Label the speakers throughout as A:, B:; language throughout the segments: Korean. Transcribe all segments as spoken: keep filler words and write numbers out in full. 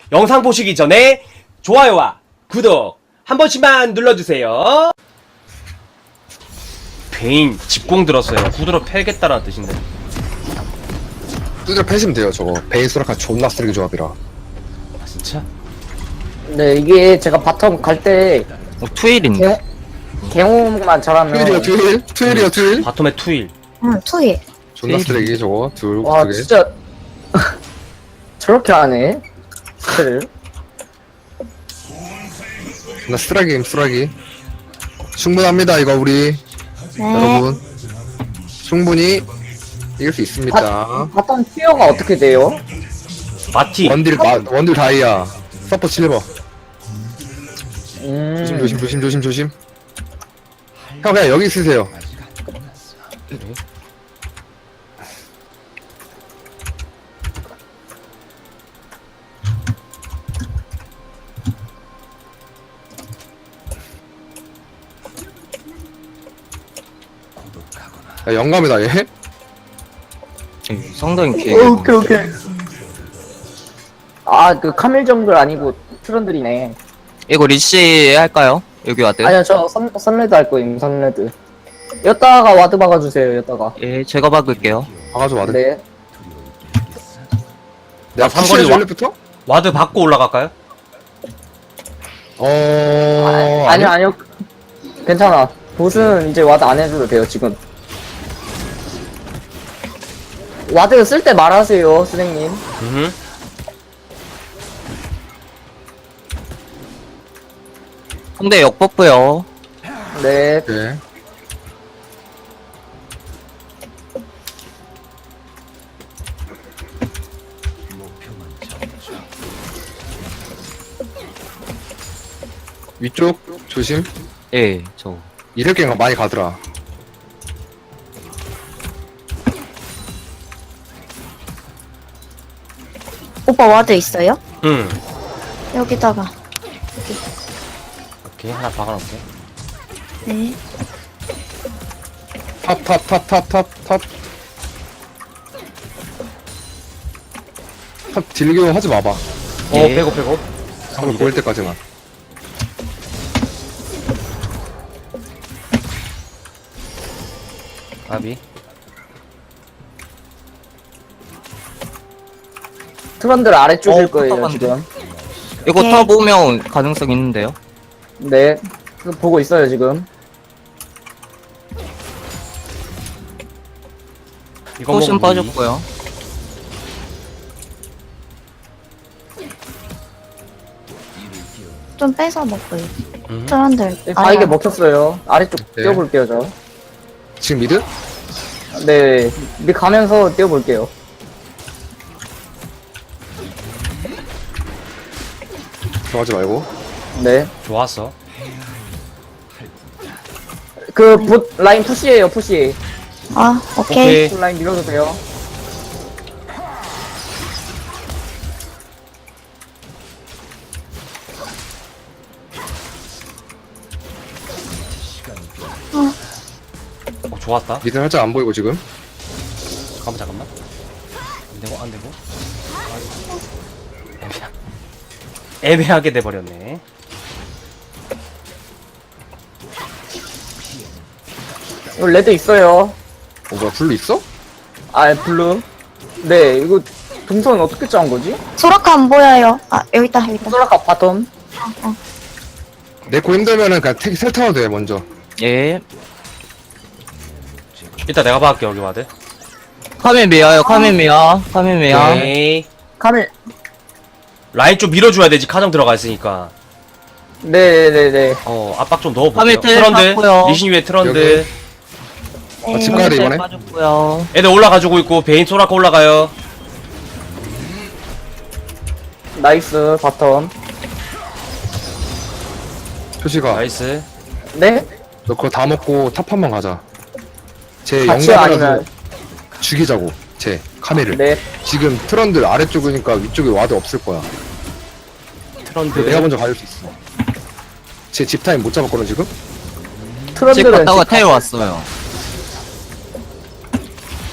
A: 영상 보시기 전에 좋아요와 구독 한 번씩만 눌러주세요. 베인 집공 들었어요. 후드로 패겠다라는 뜻인데.
B: 두드려 패시면 돼요. 저거 베인 소라카 존나 쓰레기 조합이라.
A: 아 진짜?
C: 네, 이게 제가 바텀 갈 때
D: 어, 투일인데?
C: 개용만 잘하면
B: 투일이요 투일? 투일이요 투일?
A: 바텀에 투일.
E: 응, 투일.
B: 존나 쓰레기 저거 둘
C: 와
B: 두 개.
C: 진짜 저렇게 하네. 스를
B: 존나 쓰레기임 쓰레기. 충분합니다 이거 우리
E: 네.
B: 여러분. 충분히 이길 수 있습니다.
C: 바텀 티어가 어떻게 돼요?
A: 마티.
B: 원딜 마, 원딜 다이아 서포 실버.
C: 음.
B: 조심 조심 조심 조심 조심. 형 그냥 여기 있으세요. 야, 영감이다 얘.
D: 상당히 개.
C: 오케이 오케이. 아 그 카밀 정글 아니고 트런들이네.
D: 이거 리시 할까요? 여기 와드?
C: 아니요 저 선, 선레드 할 거임 선레드. 여따가 와드 박아주세요 여따가.
D: 예, 제가 박을게요.
B: 박아줘 와드.
C: 네.
B: 내가
A: 아, 삼거리
B: 삼거리
A: 와-
B: 원래부터?
A: 와드 받고 올라갈까요?
B: 어
C: 아, 아니요 아니요. 괜찮아. 보스는 이제 와드 안 해줘도 돼요 지금. 와드 쓸 때 말하세요 선생님.
A: 음.
D: 상대 역버프요.
C: 네.
B: 네. 위쪽 조심.
D: 예, 저.
B: 이럴 게가 많이 가더라.
E: 오빠 와드 있어요?
A: 음.
E: 여기다가.
A: 오케이 하나 박아놓을게.
E: 네.
B: 탑탑탑탑탑탑 탑 딜교 하지 마봐.
A: 어
D: 예.
A: 빼고 빼고.
B: 상대 보일 때까지만.
A: 아비.
C: 트런들 아래쪽일
D: 어,
C: 거예요
D: 탑한데.
C: 지금.
D: 이거
E: 네.
D: 탑 오면 가능성 있는데요?
C: 네. 그 보고 있어요 지금.
A: 이거
D: 포션
A: 먹으면
D: 빠졌고요.
E: 좀 뺏어 먹고요.
A: 음.
E: 트런들.
C: 아 이게 먹혔어요. 아래쪽
B: 네.
C: 뛰어볼게요 저.
B: 지금 미드?
C: 네. 미 가면서 뛰어볼게요.
B: 들어가지 말고.
C: 네.
A: 좋았어.
C: 그 봇 라인 푸시에요 푸시.
E: 아, 오케이.
A: 오케이.
C: 봇 라인 밀어도 돼요.
A: 어 좋았다.
B: 미드 살짝 안 보이고 지금.
A: 잠깐만 잠깐만. 안 되고 안 되고. 애매하... 애매하게 돼버렸네.
C: 이거 레드 있어요.
B: 어 뭐야 블루 있어?
C: 아 블루. 네 이거 동선 어떻게 짠 거지?
E: 소라카 안 보여요. 아, 여기 있다, 여기 있다.
C: 소라카 바텀.
B: 내코 힘들면은 그냥 택 셀타워도 돼 먼저.
D: 예.
A: 이따 내가 박을게 여기 와드.
D: 카메미야요, 카메미야. 카메미야.
A: 오케이.
C: 카밀.
A: 라인 좀 밀어줘야 되지. 카정 들어가 있으니까.
C: 네네네네.
A: 어 압박 좀 넣어볼게요.
D: 카밀 텔
A: 트런드.
D: 탔고요.
A: 리신 위에 트런드.
B: 여기. 아, 집 가야 돼 이번에.
D: 빠졌고요.
A: 애들 올라가지고 있고 베인 소라카 올라가요.
C: 나이스 바텀.
B: 표시가.
A: 나이스.
C: 네?
B: 너 그거 다 먹고 탑 한 번 가자. 제
C: 같이
B: 영감이라서
C: 아니면
B: 죽이자고. 제 카메를.
C: 네.
B: 지금 트런들 아래쪽이니까 위쪽에 와드 없을 거야.
A: 트런드.
B: 내가 먼저 가줄 수 있어. 제 집타임 못 잡았거든 지금?
D: 집
C: 트런들은
D: 갔다가
C: 집
D: 텔 왔어요.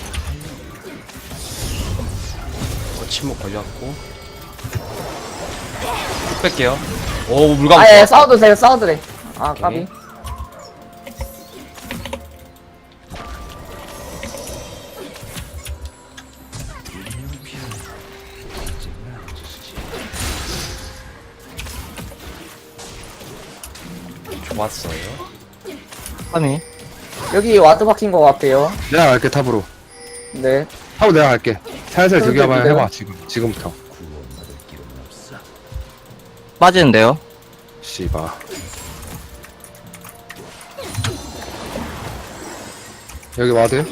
A: 침묵 걸렸고. 쭉 뺄게요. 오, 물감.
C: 아예
A: 좋아.
C: 싸워도 돼요 싸워도 돼아 까비
A: 오케이. 좋았어요.
D: 카메.
C: 여기 와드 박힌 것 같아요
B: 내가 갈게 탑으로.
C: 네
B: 탑으로 내가 갈게. 살살
C: 그래도
B: 저기 한번
C: 돼요?
B: 해봐 지금 지금부터.
D: 빠지는데요?
B: 씨바. 여기 와드.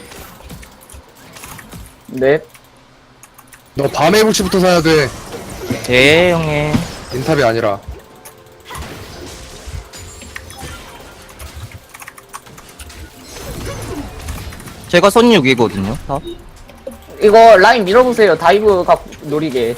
C: 네.
B: 너 밤의 불치부터 사야 돼.
D: 네, 형님.
B: 인탑이 아니라.
D: 제가 손 육이거든요. 탑.
C: 이거 라인 밀어보세요 다이브가 노리게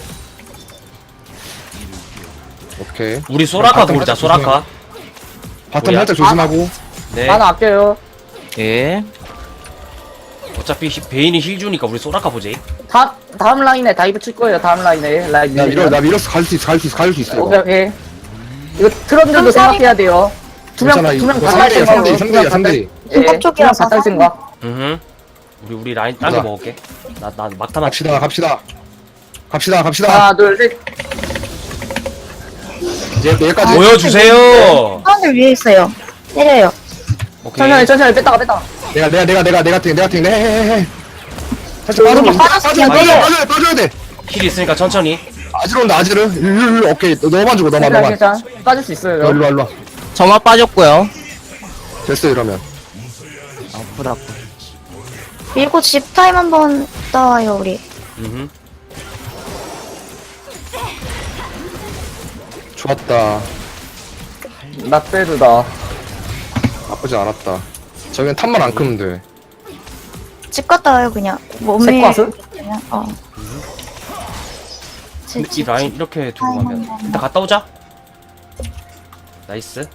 B: 오케이.
A: 우리 소라카
B: 바텀
A: 돌자,
B: 살짝
A: 소라카.
B: 바텀
A: 뭐야?
B: 살짝 조심하고.
A: 네.
C: 하나 아껴요
D: 예.
A: 어차피 히- 베인이 힐 주니까 우리 소라카 보지.
C: 다, 다음 라인에 다이브 칠 거예요 다음 라인에 라인
B: 나 밀어
C: 밀면.
B: 나 밀었어 갈 수 있어 갈 수 있어 갈 수 있어
C: 오케이
B: 이거.
C: 오케이 이거 트런들도 생각해야 돼요
B: 괜찮아 이거
C: 두명두명다
B: 상대야
C: 탈
B: 상대
C: 생각
B: 상대야 상대.
C: 예,
E: 쪽이라서
C: 두명 다 탈 생각
A: 응. 우리 우리 라인 딴거
B: 가자.
A: 먹을게. 나 나 막타만
B: 갑시다 갑시다. 갑시다 갑시다.
C: 하나 둘셋
B: 이제 여기까지.
A: 아, 보여주세요.
E: 사람들 위에 있어요. 때려요.
A: 오케이.
C: 천천히 천천히 뺐다가 뺐다가
B: 내가 내가 내가 내가 내가 팀 내가 팀 해해해. 살짝
C: 저
B: 빠져
C: 이렇게
B: 빠져
E: 빠졌어요.
B: 빠져 빠져 빠져 빠져야 돼.
A: 힐 있으니까 천천히.
B: 아지로 온다 아지르. 일일일 오케이 너- 너만 주고 너만
C: 괜찮아
B: 너만.
C: 괜찮아 빠질 수 있어요
B: 너 일로 와 일로 와.
D: 점화 빠졌고요.
B: 됐어 이러면.
D: 아프다.
E: 밀고 집 타임 한번 떠와요, 우리.
A: 음.
B: 좋았다.
C: 낫배드다
B: 나쁘지 않았다. 저기는 탑만 안 크면 돼.
E: 집 갔다 와요, 그냥. 몸에.
C: 색과스?
E: 그냥, 어. 집,
A: 이
E: 집,
A: 라인
E: 집.
A: 이렇게 두고 가면 일단 갔다 오자. 나이스.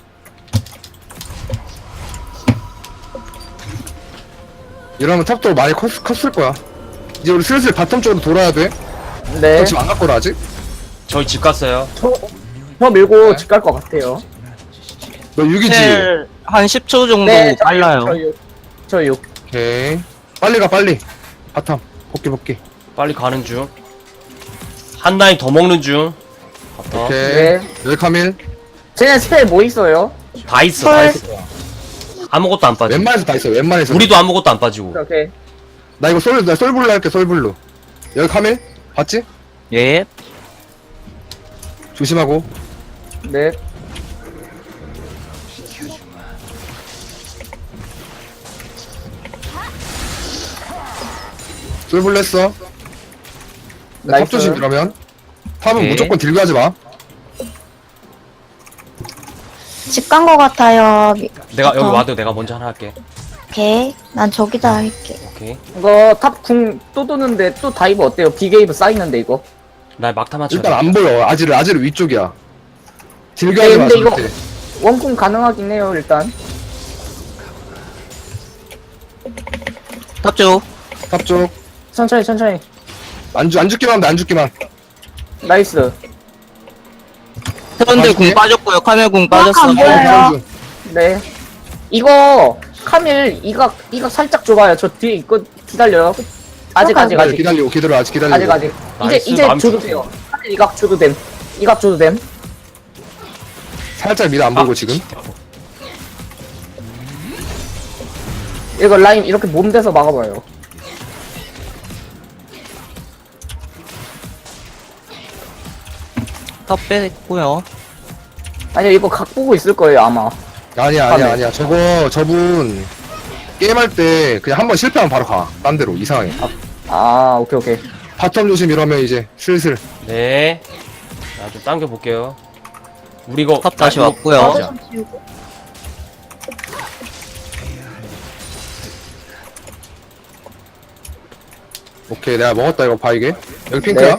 B: 이러면 탑도 많이 컸, 컸을 거야. 이제 우리 슬슬 바텀 쪽으로 돌아야 돼.
C: 네
B: 너 지금 안 갔거라 아직?
A: 저희 집 갔어요.
C: 저, 저 밀고 집 갈 것 같아요
B: 너 육 이지?
D: 텔 한 십 초 정도
C: 네
D: 빨라요.
C: 저 육.
B: 오케이. 빨리 가 빨리. 바텀. 복귀 복귀.
A: 빨리 가는 중. 한 라인 더 먹는 중. 갔다.
B: 오케이.
C: 네.
B: 여기 카밀.
C: 쟤네 스펠 뭐 있어요?
A: 다 있어. 다 있어. 아무것도 안 빠져.
B: 웬만해서 다 있어. 웬만해서.
A: 우리도 아무것도 안 빠지고.
C: 오케이
B: 나 이거 솔, 나 솔블루 할게 솔블루. 여기 카밀. 봤지?
D: 예.
B: 조심하고.
C: 네
B: 솔블루 했어. 탑
C: 나이스.
B: 조심 이러면. 탑은
D: 오케이.
B: 무조건 딜교 하지 마.
E: 집 간 거 같아요. 미-
A: 내가 여기
E: 어.
A: 와도 내가 먼저 하나 할게.
E: 오케이. 난 저기다 할게.
A: 오케이.
C: 이거 탑 궁 또 도는데 또 다이브 어때요? 비게이브 쌓이는데 이거
A: 나 막타 맞춰.
B: 일단 안 보여. 아지르 아지르 위쪽이야. 딜교
C: 네,
B: 하지 마.
C: 근데 이거-
B: 절대.
C: 원궁 가능하긴 해요 일단
D: 탑 쪽.
B: 탑 쪽.
C: 천천히 천천히
B: 안, 주, 안 죽기만 하면 돼, 안 죽기만.
C: 나이스
D: 트런들 궁
B: 맛있게?
D: 빠졌고요. 카메 궁
E: 안
D: 빠졌어.
E: 보여요.
C: 네 이거 카밀 이각 이각 살짝 좁아요 저 뒤에 있거 기다려요 아직 아직
B: 기다려,
C: 아직
B: 기다리고, 기다려, 아직 기다리고.
C: 아직 아직 이제
A: 나이스,
C: 이제
A: 마음
C: 줘도
A: 좋다.
C: 돼요 카밀 이각 줘도 됨 이각 줘도 됨
B: 살짝 미드 안 보고 지금.
C: 이거 라인 이렇게 몸대서 막아봐요
D: 탑 뺐고요.
C: 아니요 이거 각 보고 있을 거예요 아마
B: 아니야, 아니야,
C: 카밀.
B: 아니야. 저거, 저분, 게임할 때 그냥 한 번 실패하면 바로 가. 딴 데로, 이상하게.
C: 아 오케이 오케이
B: 바텀 조심 이러면 이제 슬슬.
A: 네. 나 좀 당겨 볼게요. 우리 이거
D: 탑 다시
A: 아, 이거
D: 왔고요.
A: 맞아.
E: 좀 지우고.
B: 오케이, 내가 먹었다, 이거 봐, 이게. 여기 핑크야.
C: 네.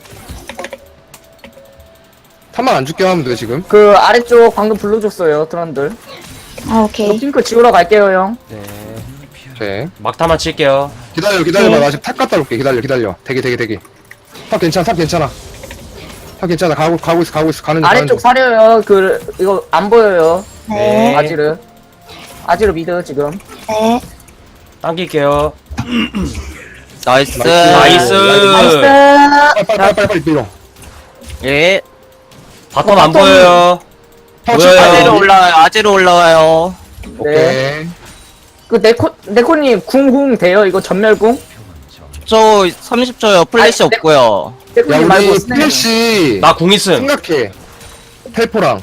B: 탑만 안 죽게 하면 돼, 지금.
C: 그 아래쪽 방금 불러줬어요 트런들
E: 아,
C: 이거
E: 오케이.
C: 핑크 지우러 갈게요 형
A: 네.
B: 오케이.
A: 막타만 칠게요.
B: 기다려, 기다려봐.
E: 네.
B: 나 지금 탑 갔다 올게. 기다려, 기다려. 대기, 대기, 대기. 탑 괜찮아, 탑 괜찮아. 아 괜찮아 가고 가고 있어 가고 있어 가는 중 가는
C: 아래쪽
B: 중.
C: 사려요. 그 이거 안 보여요.
E: 네.
C: 아지르. 아지르 미드 지금.
E: 네.
A: 당길게요.
D: 나이스.
A: 나이스.
C: 나이스.
B: 빨리 빨리 빨리 빨리 빨리 밀어.
D: 예.
A: 바텀 안 보여요.
B: 파워치
A: 뭐예요?
D: 아재로 올라와요. 아재로 올라와요.
C: 네.
B: 오케이.
C: 그 네코 네코님 궁궁 돼요? 이거 전멸궁?
D: 저 삼십 초요. 플래시
C: 아니, 네.
D: 없고요.
B: 야
C: 네코님 말고
B: 우리
C: 스네그.
B: 플래시
A: 나 궁 있음.
B: 생각해. 텔포랑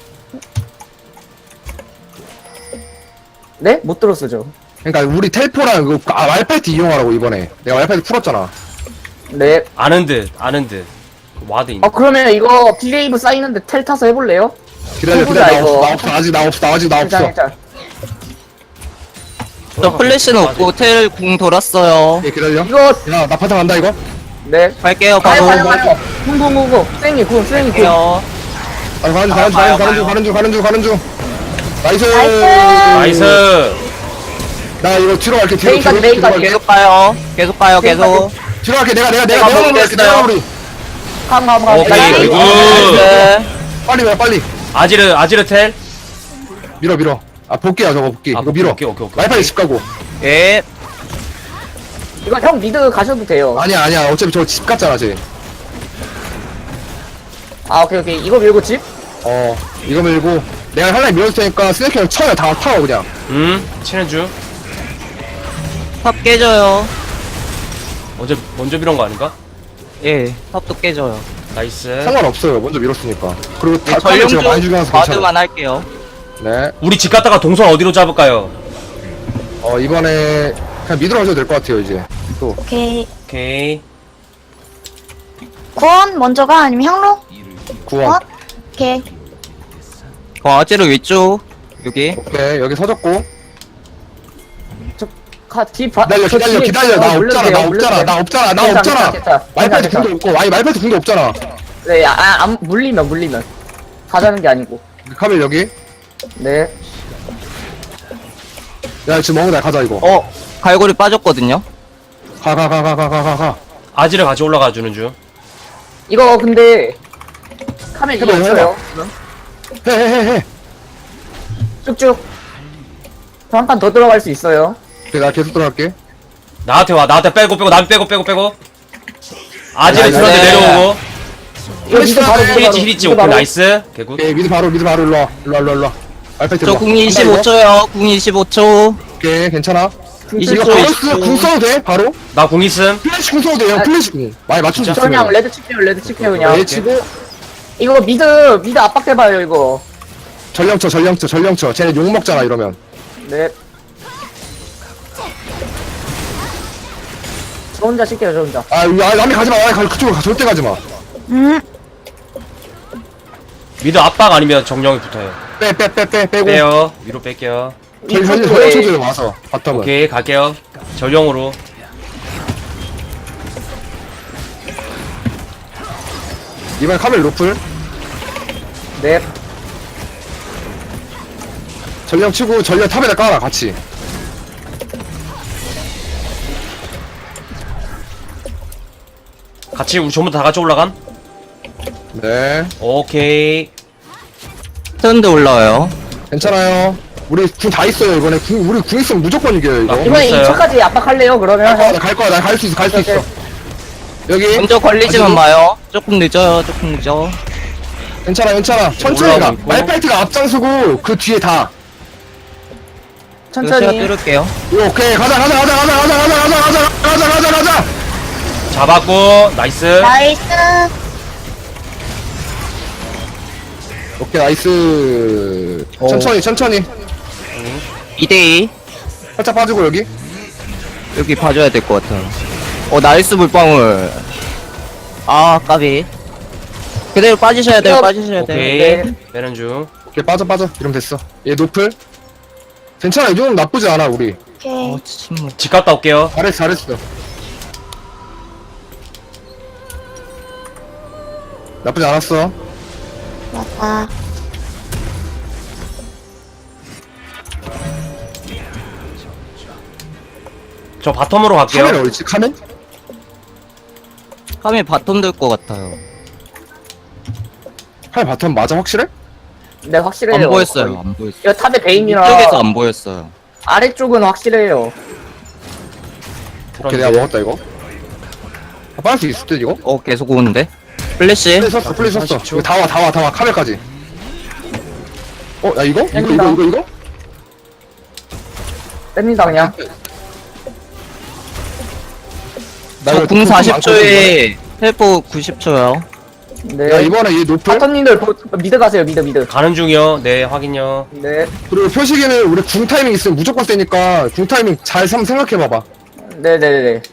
C: 네? 못 들었어 저.
B: 그러니까 우리 텔포랑 그 아, 왈파이트 이용하라고 이번에 내가 왈파이트 풀었잖아.
C: 네.
A: 아는 듯, 아는 듯. 와드 있네.
C: 어 그러면 이거 빌레이브 쌓이는데 텔 타서 해볼래요?
B: 기다려
C: 해보자,
B: 기다려 나
C: 이거.
B: 없어 나 없어 아직 나 없어 나 아직 나
C: 괜찮아
B: 없어.
C: 괜찮아.
D: 저 플래시는 없고 텔 궁 돌았어요.
B: 오케이 기다려.
C: 이거
B: 야나 바탕 간다 이거.
C: 네.
D: 갈게요.
C: 가요
D: 바로.
C: 가요 가요. 궁궁궁궁. 쌩이 궁 쌩이 궁.
D: 갈게요.
B: 아 가는 중 가는 중
D: 가요,
B: 가는 중 가는 중 가는 중 가는 중. 나이스.
A: 나이스.
B: 나 이거 뒤로 갈게 뒤로
C: 메인까지,
B: 뒤로 뒤로
C: 메인까지.
B: 갈게.
D: 계속 가요. 계속 가요. 계속.
B: 뒤로 갈게 내가 내가
D: 내가
B: 내가 내가
D: 먹겠어요.
B: 올게 내가 우리
C: 감감감.
A: 오케이, 굿.
D: 나이스.
B: 빨리 와 빨리
A: 아지르, 아지르 텔.
B: 밀어 밀어. 아 볼게야 저거 볼게.
A: 아,
B: 이거 밀어.
A: 오케이, 오케이, 오케이.
B: 왈파이트 집 가고.
D: 예.
C: 이거 형 미드 가셔도 돼요.
B: 아니야 아니야 어차피 저 집 갔잖아 쟤.
C: 아 오케이 오케이. 이거 밀고 집.
B: 어 이거 밀고 내가 하나 밀어줄 테니까 스네이크 형 쳐요 다 타워 그냥.
A: 음, 치는 중.
D: 탑 깨져요.
A: 어제 먼저 밀은 거 아닌가?
D: 예. 탑도 깨져요.
A: 나이스.
B: 상관없어요 먼저 밀었으니까. 그리고
D: 네,
B: 다 타워 제가 많이
D: 전령주
B: 죽여놔서 괜찮아.
D: 바드만 할게요.
B: 네.
A: 우리 집 갔다가 동선 어디로 잡을까요?
B: 어 이번에 그냥 미드로 가셔도 될 것 같아요 이제. 또
E: 오케이.
A: 오케이.
E: 구원 먼저가 아니면 향로?
B: 구원.
E: 오케이.
D: 어, 아재로 위쪽. 여기.
B: 오케이 여기 서졌고.
C: 가뒤 봐.
B: 기다려
C: 저
B: 기다려
C: 뒤에
B: 기다려
C: 어,
B: 나
C: 물려도
B: 없잖아
C: 돼요,
B: 나
C: 물려도
B: 없잖아
C: 돼요.
B: 나 없잖아 나
C: 괜찮아,
B: 없잖아.
C: 괜찮아,
B: 말파이트
C: 괜찮아.
B: 궁도 없고 아니 말파이트 궁도 없잖아.
C: 네, 아, 아, 안 물리면 물리면 가자는 게 아니고.
B: 카멜 여기.
C: 네.
B: 야 지금 먹는다 가자 이거.
D: 어, 갈고리 빠졌거든요.
B: 가 가 가 가 가 가 가 가.
A: 아지르 같이 올라가 주는 중.
C: 이거 근데 카멜 이거
B: 해봐,
C: 없어요.
B: 해 해 해 해.
C: 쭉쭉. 저 한 판 더 들어갈 수 있어요.
B: 오케이 나 계속 들어갈게.
A: 나한테 와, 나한테 빼고 빼고, 남 빼고 빼고 빼고. 아지르
B: 나이스.
A: 트런드 내려오고.
C: 이거 미드 바로 미드 바로.
A: 히리지, 히리지,
C: 미드
A: 오케이,
C: 바로.
A: 나이스. 개굿.
B: 오케이 미드 바로 미드 바로 일로 와 일로 와 일로 와 일로 와. 말파이트
D: 저
B: 일로 와.
D: 궁 이십오 초요. 궁 이십오 초.
B: 오케이 괜찮아.
D: 이십
B: 이거
D: 초,
B: 바로
D: 이십
B: 쓰,
D: 초.
B: 궁 써도 돼 바로?
A: 나 궁 있음.
B: 플래시 궁 써도 돼요
C: 아,
B: 플래시 궁. 많이 맞출 수
C: 저 그냥
B: 있으면.
C: 레드 칠게요 레드 칠게요 그냥.
B: 네 치고
C: 이거 미드 미드 압박해봐요 이거.
B: 전령쳐 전령쳐 전령쳐. 쟤네 욕 먹잖아 이러면.
C: 네. 저 혼자 칠게요 저 혼자.
B: 아 야, 남이 가지마 아, 가- 그쪽으로 가 절대 가지마.
E: 음.
A: 미드 압박 아니면 정령이 붙어요.
B: 빼 빼 빼 빼 빼고.
A: 빼요. 위로 뺄게요.
B: 저희 저희
C: 이쪽에
B: 전령쳐줘요 와서 바텀은.
A: 오케이, 갈게요. 전령으로.
B: 이번 카멜 로플.
C: 네.
B: 전령 치고 전령 탑에다 깔아 같이.
A: 같이 우리 전부 다 같이 올라감?
B: 네
A: 오케이.
D: 트렌드 올라와요.
B: 괜찮아요. 우리 궁 다 있어요 이번에. 궁 우리 궁 있으면 무조건 이겨요 이거.
A: 아,
C: 이번에
A: 있어요.
C: 이 차까지 압박할래요 그러면?
B: 갈 거야 갈 거야 나 갈 수 있어 갈 수
C: 오케이.
B: 있어. 여기
D: 먼저 걸리지만
B: 아직은-
D: 마요. 조금 늦어요. 조금 늦어.
B: 괜찮아 괜찮아 천천히 가.
A: 올라가고 있고.
B: 말파이트가 앞장서고 그 뒤에 다.
D: 이거 제가
C: 천천히.
D: 뚫을게요.
B: 오케이 가자 가자 가자 가자 가자 가자 가자 가자 가자 가자 가자.
A: 잡았고, 나이스.
E: 나이스.
B: 오케이 나이스.
D: 오.
B: 천천히 천천히.
D: 이 대이.
B: 살짝 빠지고 여기.
D: 여기 봐줘야 될 것 같아요. 어, 나이스 물방울. 아, 까비. 그대로 빠지셔야 돼요.
C: 이거-
D: 빠지셔야 돼요.
A: 오케이.
C: 네.
A: 빼는 중.
B: 오케이 빠져 빠져. 이러면 됐어. 얘 노플. 괜찮아 이 정도면 나쁘지 않아 우리.
E: 오케이.
D: 어, 침묵.
A: 집 갔다 올게요.
B: 잘했어 잘했어. 나쁘지 않았어.
E: 맞다.
A: 저 바텀으로 갈게요.
B: 카멜 어딨지 카멜?
D: 카메 바텀 될 것 같아요.
B: 칼 바텀 맞아 확실해?
C: 네, 확실해요.
D: 안 보였어요.
C: 거의.
D: 안 보였어요.
C: 이거 탑에 베인이라
D: 이쪽에서 안 보였어요.
C: 아래쪽은 확실해요.
B: 오케이 내가 먹었다 이거. 아, 빠질 수 있을 듯 이거?
D: 어 계속 오는데. 플래시.
B: 플레이 썼어 플레이 썼어. 이거 다 와 다 와 다 와 카멜까지. 어 야 이거? 이거 이거
C: 땡긴다.
B: 이거 이거?
C: 뺍니다 그냥.
B: 나
D: 저
B: 이거
D: 궁
B: 좀
D: 사십
B: 많거든,
D: 초에 텔포 구십 초요.
C: 네.
B: 야 이번에 이 노플
C: 바텀님들 보- 미드 가세요. 미드 미드.
A: 가는 중이요. 네, 확인요.
C: 네.
B: 그리고 표식에는 우리 궁 타이밍 있으면 무조건 세니까 궁 타이밍 잘 한번 생각해봐봐.
C: 네네네.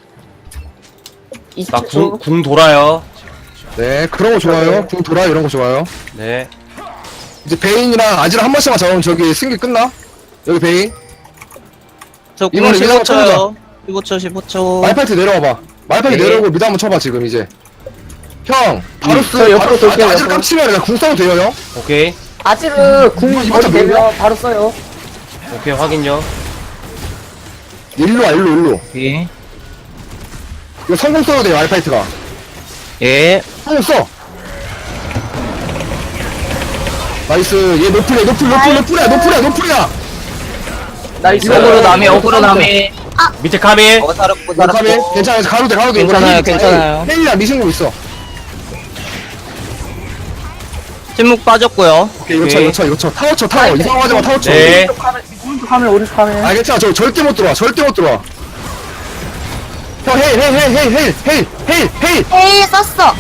A: 나
C: 이십
A: 궁,
C: 초.
A: 궁 돌아요.
B: 네 그런 거 좋아요. 궁 돌아 이런 거 좋아요.
A: 네.
B: 이제 베인이랑 아지랑 한 번씩만 잡으면 저기 승기 끝나. 여기 베인.
D: 저 궁
B: 이번에
D: 십오
B: 미드 한번
D: 초요. 십오 초 십오 초.
B: 말파이트 내려와봐. 말파이트
D: 네.
B: 내려오고 미드 한번 쳐봐 지금 이제. 형 바로 쓰.
C: 저 옆으로
B: 바로
C: 돌게요,
B: 아지
C: 옆으로.
B: 깜치면 그냥 궁 써도 돼요 형.
A: 오케이.
C: 아지르 궁
B: 이거
C: 거리
B: 다
C: 되면
B: 뭐야?
C: 바로 써요.
A: 오케이, 확인요.
B: 일로 와 일로 일로.
D: 예.
B: 이거 성공 써도 돼요 말파이트가.
D: 예.
B: 성공 써. 나이스. 얘 노플이야 노플 노플 노플이야 노플이야 노플이야.
C: 나이스.
D: 어그로 남이 어그로 남이.
A: 밑에 카밀.
D: 어 살았고
B: 노카미
D: 살았고.
B: 괜찮아 가도 돼 가도 돼.
D: 괜찮아요, 괜찮아요.
B: 헬리야 미신공 있어.
D: 침묵 빠졌고요.
B: 오케이 이거 쳐
A: 오케이.
B: 이거 쳐 이거 쳐 타워 쳐 타워 이상하지 마 타워 쳐.
A: 네.
C: 오른쪽 카메 오른쪽 카메 오른쪽 카메.
B: 아 괜찮아 저 절대 못 들어와 절대 못 들어와. 형 헤일 헤일 헤일 헤일 헤일 헤일 헤일 헤일.
E: 에이, 썼어.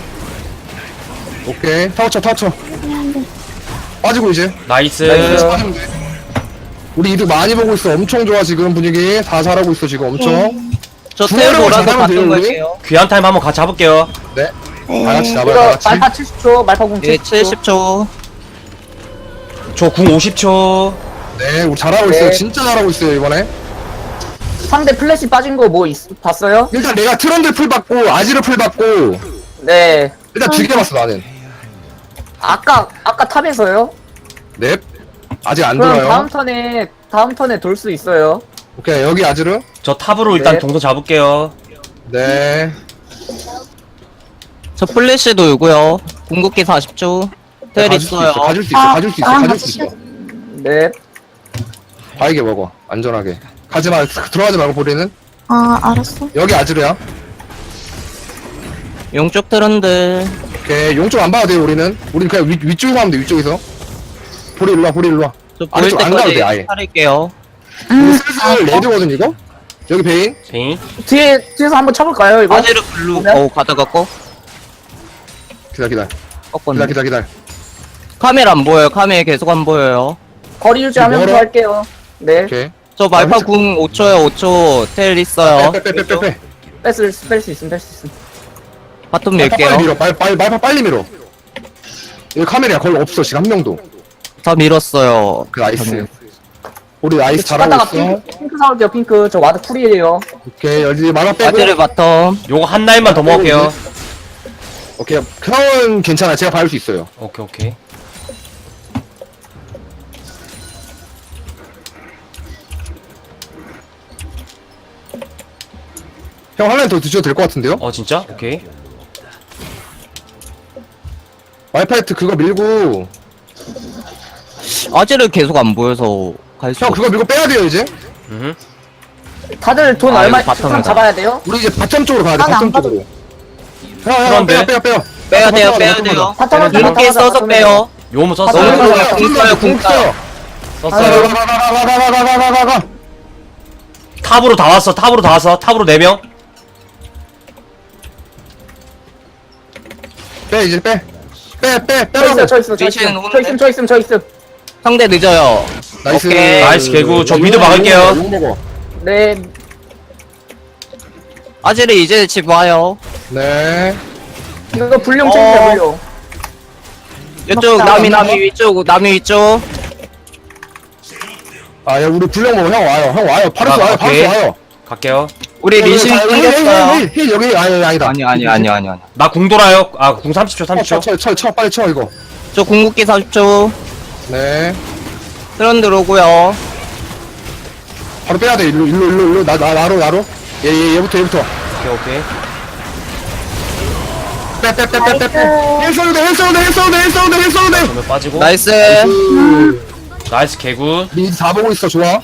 B: 오케이 타워 쳐 타워 쳐. 빠지고 이제.
A: 나이스.
C: 나이스.
B: 빠지면 돼. 우리 이득 많이 보고 있어. 엄청 좋아 지금 분위기. 다 잘하고 있어 지금 엄청.
D: 저
B: 중앙으로
D: 텔 돌아서
B: 잘하면 돼요,
D: 바꾼
B: 우리?
D: 걸게요.
A: 귀한 타임 한번 같이 잡을게요.
B: 네.
E: 네.
B: 다 같이 잡아요
C: 이거
B: 다 같이.
C: 말파 칠십 초, 말파 궁
D: 예,
C: 칠십 초.
D: 칠십 초.
A: 저 궁 오십 초.
B: 네 우리 잘하고
C: 네.
B: 있어요. 진짜 잘하고 있어요 이번에.
C: 상대 플래시 빠진 거 뭐 봤어요?
B: 일단 내가 트런드 풀 받고 아지르 풀 받고
C: 네.
B: 일단 두 개 봤어 나는.
C: 아까 아까 탑에서요?
B: 넵. 아직 안
C: 그럼
B: 돌아요.
C: 다음 턴에 다음 턴에 돌 수 있어요.
B: 오케이 여기 아지르.
A: 저 탑으로 일단
C: 네.
A: 동선 잡을게요.
B: 네.
D: 저 플래시 돌고요. 궁극기 사십 초. 텔
B: 가줄 수
D: 있어요.
B: 있어 가줄 수 있어
E: 아,
B: 가줄 수 있어
E: 아,
B: 가줄 수 있어.
C: 네.
B: 바이게 먹어 안전하게. 가지마 들어가지 말고 보리는.
E: 아, 알았어.
B: 여기 아지르야.
D: 용쪽 트런드.
B: 오케이 용쪽 안 봐도 돼요 우리는. 우리는 그냥 위, 위쪽에서 하면 돼 위쪽에서. 보리 일로와 보리 일로와.
D: 저 보일
B: 아래쪽 안 가도 돼, 아예.
D: 때까지 살릴게요.
B: 우리
E: 음,
B: 슬슬 레드거든 이거. 여기 베인.
A: 제인.
C: 뒤에 뒤에서 한번 쳐볼까요 이거?
D: 아지르 블루.
C: 보면?
D: 어 가다가 꺼.
B: 기다 기다
D: 꺾었네.
B: 기다 기다 기다.
D: 카메라 안 보여요. 카메라 계속 안 보여요.
C: 거리 유지하면서
B: 멀어?
C: 할게요. 네.
B: 오케이.
D: 저 말파
B: 아,
D: 궁 오 초요. 오 초. 텔 있어요.
B: 빼빼빼빼빼.
C: 뺄수 뺄수 있음 뺄 수 있음.
D: 바텀
B: 말파 빨리
D: 밀게요.
B: 밀어. 빨리 빨리 말파 빨리 밀어. 여기 카메라야 거의 없어 지금 한 명도.
D: 다 밀었어요.
B: 그 나이스. 우리 나이스
C: 집 갔다가
B: 잘하고 있어.
C: 핑크, 핑크 사올게요 핑크. 저 와드 쿨이에요.
B: 오케이 여기 만화 빼고.
D: 아지르 바텀.
A: 요거 한 라인만 더 먹을게요.
B: 오케이 형은 괜찮아 제가 밟을 수 있어요.
A: 오케이, 오케이.
B: 형 한 라인 더 드셔도 될 것 같은데요?
A: 어, 진짜? 오케이.
B: 와이파이트 그거 밀고
D: 아지르 계속 안 보여서 갈 수.
B: 형 그거 밀고 빼야 돼요 이제.
A: 음.
C: 다들 돈
D: 아,
C: 얼마
D: 이거 바텀이다.
C: 상 잡아야 돼요?
B: 우리 이제 바텀 쪽으로 가야 돼.
E: 난 안
B: 바텀 쪽으로. 형형
A: 그런데?
B: 빼요 빼요 빼요.
D: 빼야 돼요.
B: 바텀
D: 빼야
B: 가자,
D: 돼요.
C: 바텀 가자,
D: 궁극기
C: 바텀 가자,
D: 써서
C: 바텀
D: 빼요.
A: 요무
C: 아,
A: 썼어요.
C: 너무
B: 가자.
D: 궁 써요, 궁 써요.
A: 썼어요.
B: 가가가가가가가가가가.
A: 탑으로 다 왔어. 탑으로 다 왔어. 탑으로 네 명.
B: 빼 이제 빼. 빼 빼
C: 저 있어
B: 빼라고.
C: 저 있어 저
D: 미치는
C: 있어 저
D: 오는데?
C: 있음 저 있음 저 있음.
D: 상대 늦어요.
B: 나이스.
D: 오케이.
A: 나이스 개구. 저
B: 욕
A: 미드
B: 먹어,
A: 막을게요.
B: 욕 먹어.
C: 네.
D: 아지르 이제 집 와요.
B: 네.
C: 이거 불룡
D: 어.
C: 챙겨 불룡.
D: 이쪽
C: 막다,
D: 남이
C: 막다.
D: 남이 위쪽 남이 위쪽.
B: 아, 야, 우리 불량 먹어. 형 와요. 형 와요. 파르스
A: 아,
B: 와요.
A: 오케이.
B: 파르스 와요.
A: 갈게요.
D: 우리 리신
B: 자, 힐, 힐,
D: 생겼어요.
B: 힐, 힐, 힐, 여기 아니 아니다.
D: 아니 아니 아니 아니 아니.
A: 나 궁 돌아요. 아, 궁 삼십 초, 삼십 초.
B: 쳐, 쳐, 쳐, 쳐, 빨리 쳐 이거.
D: 저 궁극기 사십 초.
B: 네.
D: 트런드 오고요.
B: 바로 빼야 돼. 일로, 일로, 일로, 일로. 나, 나, 나로, 나로. 얘, 얘, 얘부터, 얘부터.
A: 오케이, 오케이.
B: 빼빼빼빼빼빼 헬스오드 헬스오드 헬스오드 헬스오드 헬스오드
A: 전멸 빠지고.
D: 나이스.
A: 나이스 개굿.
B: 미드 다 보고 있어 좋아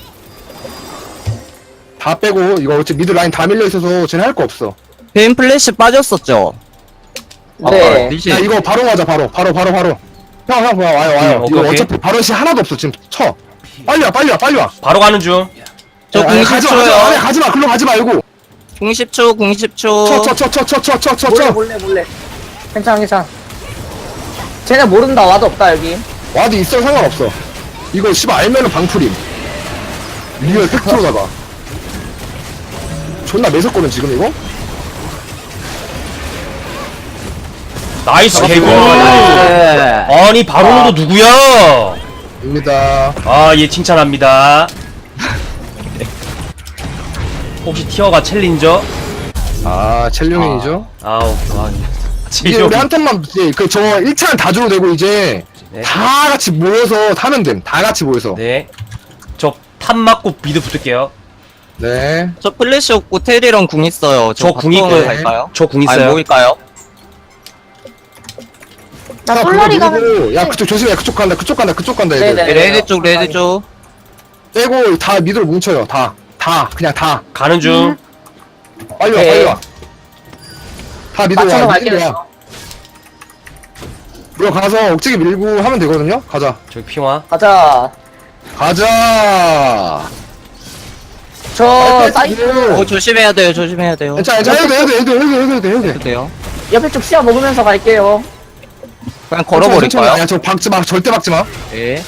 B: 다 빼고 이거 어차피 미드 라인 다 밀려있어서 쟤는 할 거 없어
D: 베인 플래시 빠졌었죠.
C: 네.
D: 리시.
B: 야 이거 바로 가자 바로 바로 바로 바로 형 형 와요 와요
A: 음, 오케이,
B: 이거
A: 오케이.
B: 어차피 바로 시 하나도 없어 지금 쳐 빨리 와 빨리 와 빨리 와
A: 바로 가는 중.
D: 저
B: 아니, 가지마 가지마 아니,
D: 공십 초요.
B: 가지마 글로 가지 말고
D: 공십 초, 공십 초.
B: 쳐 쳐 쳐 쳐 쳐 쳐 쳐
C: 몰래
B: 쳐쳐
C: 몰래 몰래. 괜찮아 괜찮아. 쟤네 모른다. 와도 없다 여기.
B: 와도 있어 상관없어 이거 씨발 알면은 방풀임 리얼 팩트로다가 존나 매섭거든 지금 이거
A: 나이스 개굿.
D: 네.
A: 아니 바로도 누구야?
B: 입니다
A: 아, 예, 칭찬합니다. 혹시 티어가 챌린저?
B: 아 첼룡이죠
A: 아우, 아,
B: 이제
A: 지금
B: 우리 한 턴만 이제 그저 일 차는 다 줘도 되고 이제
A: 네.
B: 다 같이 모여서 타면 됨다 같이 모여서
A: 네. 저 탑 맞고 미드 붙을게요.
B: 네
D: 저 플래시 없고 테리랑 궁 있어요.
A: 저 궁
D: 바텀을
A: 있고요.
D: 갈까요?
A: 저 궁
D: 아니,
A: 있어요.
D: 모일까요?
E: 나
B: 자,
E: 솔라리
B: 그거
E: 가면.
B: 누르고, 야 그쪽 조심해 그쪽 간다 그쪽 간다 그쪽 간다 얘들
C: 네네.
D: 레드 쪽, 레드 쪽.
B: 빼고 다 미드로 뭉쳐요 다 다 그냥 다
A: 가는 중.
B: 빨리 와
C: 네.
B: 빨리 와다 미드로
C: 맞춰서
B: 와
C: 갈게요.
B: 미드로 와 이거 가서 억지게 밀고 하면 되거든요 가자
A: 저기 핑화.
C: 가자.
B: 가자
C: 저 사이트
D: 어, 조심해야 돼요, 조심해야 돼요.
B: 괜찮아 괜찮아 해도 돼 해도 돼 해도 돼 해도 돼 해도 돼 해도 돼
D: 해도 돼요.
C: 옆에 쪽 시야 먹으면서 갈게요.
D: 그냥
B: 천천히,
D: 걸어버릴까요?
B: 야저 박지마 절대 박지마
D: 예.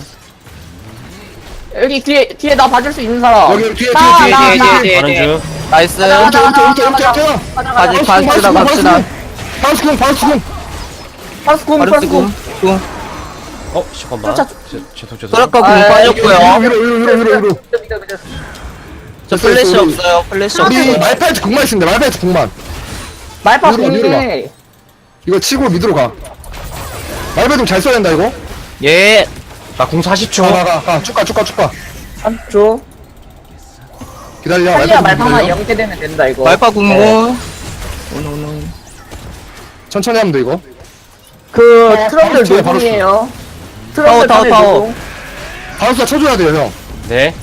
C: 여기 뒤에 뒤에 나 봐줄 수 있는 사람.
B: 여기 뒤에 뒤에
C: 나,
B: 뒤에
C: 나,
B: 뒤에
C: 나.
B: 뒤에
A: 가는 중.
D: 나이스.
C: 가자, 가자,
B: 이렇게 이렇게
C: 가자,
B: 이렇게 이렇게
C: 가자,
B: 가자
C: 가자,
D: 가지,
C: 가자.
D: 갑시다, 갑시다.
B: 바우스쿵 바우스쿵
C: 파스콘
D: 바로
C: 파스콘.
D: 쓰고. 궁.
A: 어, 잠깐만.
C: 쫓아,
A: 제- 죄송, 죄송.
D: 소라카 궁
C: 아,
D: 빠졌고요.
B: 위로 위로 위로 위로 위로
D: 저 플래시 없어요, 플래시
B: 우리
D: 없어요.
B: 말파이트 궁만 있습니다 말파이트 궁만
C: 말파
B: 위로, 위로
C: 공이네.
B: 이거 치고 미드로 가 말파이트 잘 써야 된다 이거
D: 예.
A: 나궁 사십 초.
B: 가가가 쭉가 쭉가 쭉가
C: 삼 초.
B: 기다려
C: 탈리아
B: 말파이트
C: 말파만
B: 기다려.
C: 영대 되면 된다 이거.
D: 말파 궁.
C: 네.
D: 오노, 오노.
B: 천천히 하면 돼 이거
C: 그
B: 어,
C: 트럼들
B: 바로 쳐요, 바로
C: 노동이에요.
D: 타워,
C: 트럼들
D: 타워,
C: 다들
D: 타워.
C: 노동.
B: 바우스가 쳐줘야 돼요 형
A: 네.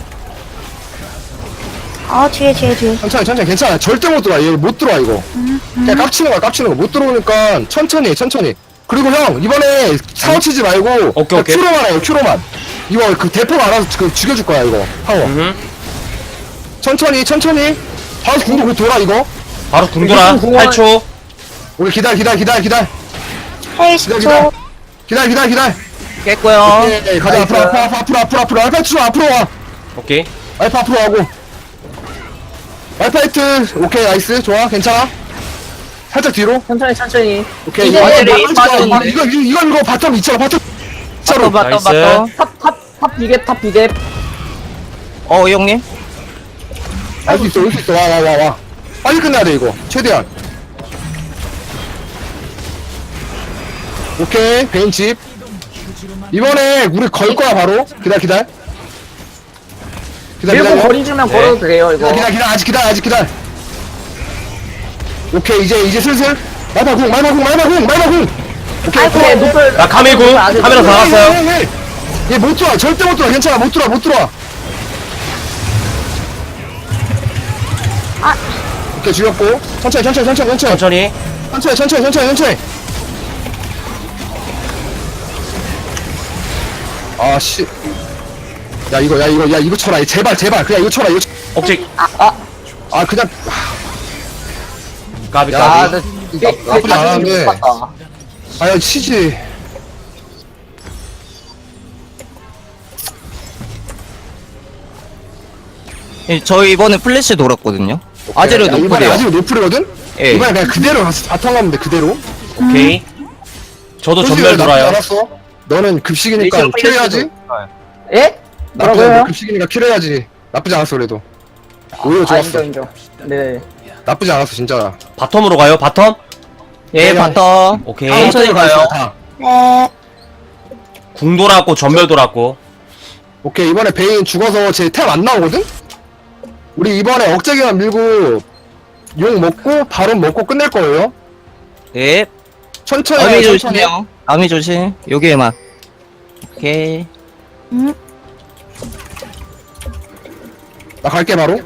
E: 아, 뒤에, 뒤에, 뒤에.
B: 천천히 천천히 괜찮아 절대 못 들어와 얘 못 들어와 이거 그냥 깝치는 거야 깝치는 거 못 들어오니까 천천히 천천히 그리고 형 이번에 사워 치지 말고
A: 오케이,
B: 그냥
A: 오케이.
B: 큐로만 해요 큐로만 이거 그 대포가 알아서 그 죽여줄 거야 이거 파워
A: 음.
B: 천천히 천천히 바우스 궁도 곧 돌아 이거
A: 바로 궁 돌아.
C: 궁
A: 팔 초.
B: 우리 기다려 기다려 기다려 기다려
E: 헤이,
B: 기다려
E: 십 초.
B: 기다려 기다려 기다려
D: 깼고요.
B: 네, 가자 앞으로 앞으로 앞으로 앞으로 앞으로 앞으로 알파 쳐 앞으로 와
A: 오케이.
B: 알파 앞으로 가고 알파이트 오케이 나이스 좋아 괜찮아 살짝 뒤로
C: 천천히 천천히.
B: 오케이
C: 이제
B: 이거
D: 애들이
B: 이거
D: 빠졌는데.
B: 이거 이거 이거 이거 바텀 있잖아 바텀
D: 바텀,
B: 진짜로
D: 바텀,
A: 나이스.
D: 바텀.
C: 탑탑탑 비랩 탑 비랩.
D: 어, 형님.
B: 알 수 있어 올 수 있어 와 와 와 와 빨리 끝내야 돼 이거 최대한 오케이 베인칩 이번에 우리 걸 거야 바로 기다려 기다려 기다려
C: 밀고
B: 기다려
C: 거리 주면
A: 네.
C: 걸어도 돼요 이거.
B: 기다려 기다려 기다려 아직 기다려 아직 기다려 오케이 이제 이제 슬슬 말마궁 말마궁 말마궁 말마궁 오케이
C: 아이고 얘 노플.
A: 나 카메구.
C: 노플 아직
A: 카메라
C: 노플.
A: 다 나갔어요.
B: 얘못 들어와 절대 못 들어와 괜찮아 못 들어와 못 들어와
E: 아.
B: 오케이 죽였고 천천히 천천히 천천히 천천히
A: 천천히.
B: 천천히 천천히 천천히 천천히 아씨 야 이거 야 이거 야 이거 쳐라 제발 제발 그냥 이거 쳐라 이거 쳐.
A: 억지.
B: 아 그냥
A: 까비,
B: 야,
A: 까비.
C: 나 이게
B: 나- 나쁘지 않았는데.
C: 같다.
B: 아야 치지
D: 예, 저희 이번에 플래시 돌았거든요. 아제르
B: 야, 이번에
D: 노플이요.
B: 아직 노플이거든
D: 예.
B: 이번에 그냥 그대로 가서 바탕 가면 돼 그대로
A: 오케이. 저도
B: 솔직히
A: 전멸
B: 나쁘지
A: 돌아요.
B: 않았어 너는 급식이니까
D: 리시로
B: 킬해야지
C: 예?
B: 나쁘지
C: 뭐라고요?
B: 않아 급식이니까 킬해야지 나쁘지 않았어 그래도 오히려
C: 아
B: 좋았어
C: 인정 인정. 네.
B: 나쁘지 않았어 진짜
A: 바텀으로 가요, 바텀?
D: 예,
B: 그냥-
D: 바텀.
A: 오케이.
D: 천천히 가요.
B: 다.
E: 네.
A: 궁 돌았고, 전멸 돌았고.
B: 오케이 이번에 베인 죽어서 제 템 안 나오거든? 우리 이번에 억제기만 밀고 용 먹고 바론 먹고 끝낼 거예요
D: 예.
B: 천천히
D: 아미
B: 해요, 천천히.
D: 조심해요. 아미 조심. 여기에만. 오케이.
E: 음.
B: 나 갈게 바로.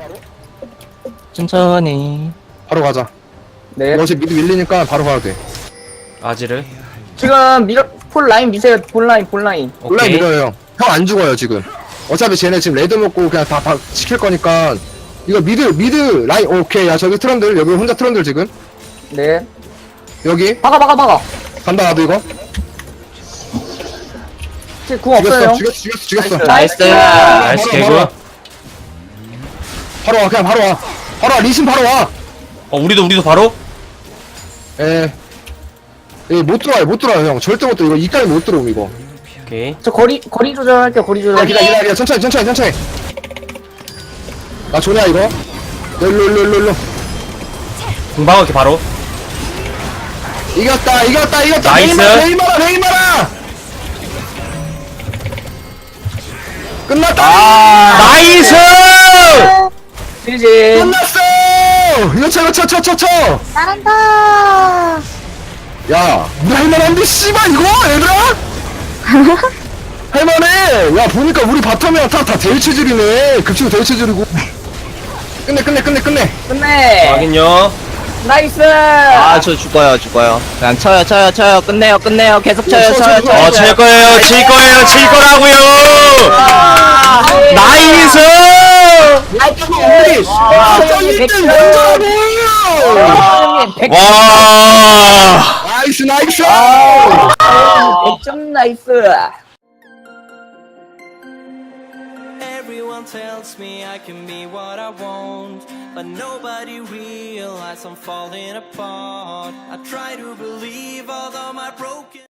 D: 천천히.
B: 바로 가자.
C: 네.
B: 너 지금 미드 밀리니까 바로 가도 돼.
A: 아지를.
C: 지금 미러 폴 라인 미세요. 폴 라인 폴 라인.
B: 온라인
A: 오케이.
B: 밀어요 형. 형 안 죽어요 지금. 어차피 쟤네 지금 레드 먹고 그냥 다, 다 지킬 거니까. 이거 미드 미드 라인 오케이. 야 저기 트런들 여기 혼자 트런들 지금.
C: 네.
B: 여기
C: 박아 박아 박아.
B: 간다 나도 이거.
C: 지금 궁 없어요.
B: 죽였어 죽였어 죽였어 죽였어.
D: 나이스.
A: 나이스
B: 바로,
A: 개구.
B: 바로, 바로 와 그냥 바로 와. 바로 와 리신 바로 와.
A: 어 우리도 우리도 바로.
B: 에. 에못 들어와요 못 들어와요 형. 절대 못 들어. 이거 이까지 못 들어옴 이거.
A: 오케이.
C: 저 거리 거리 조절할게요. 거리
B: 기다려
C: 조절.
B: 기다려 기다려 천천히 천천히 천천히. 나 조냐 이거. 일로 일로 일로 일로.
A: 금방 이렇게 바로.
B: 이겼다 이겼다 이겼다.
A: 나이스.
B: 베이마라 베이마라. 끝났다.
A: 아 나이스.
C: 지지.
B: 끝났어. 이거 쳐 이거 쳐 쳐 쳐 쳐.
E: 잘한다.
B: 야 우리 할만한데 씨발 이거 얘들아. 할만해. 야 보니까 우리 바텀이랑 다다 대체질이네. 급치고 대체질이고. 끝내 끝내 끝내 끝내.
C: 끝내.
A: 확인요.
C: 나이스.
D: 아, 저 죽어요, 죽어요. 그냥 쳐요, 쳐요, 쳐요. 끝내요, 끝내요. 계속 쳐요,
B: 쳐,
D: 쳐요,
B: 쳐,
D: 쳐요.
A: 어 칠 거예요 칠 거예요 칠 거라고요. 나이스.
B: 우리 저 일 등 먼저라고.
A: 와.
B: 나이스 나이스.
C: 백 점 나이스.
F: Everyone tells me I can be what I want, but nobody realizes I'm falling apart. I try to believe although my broken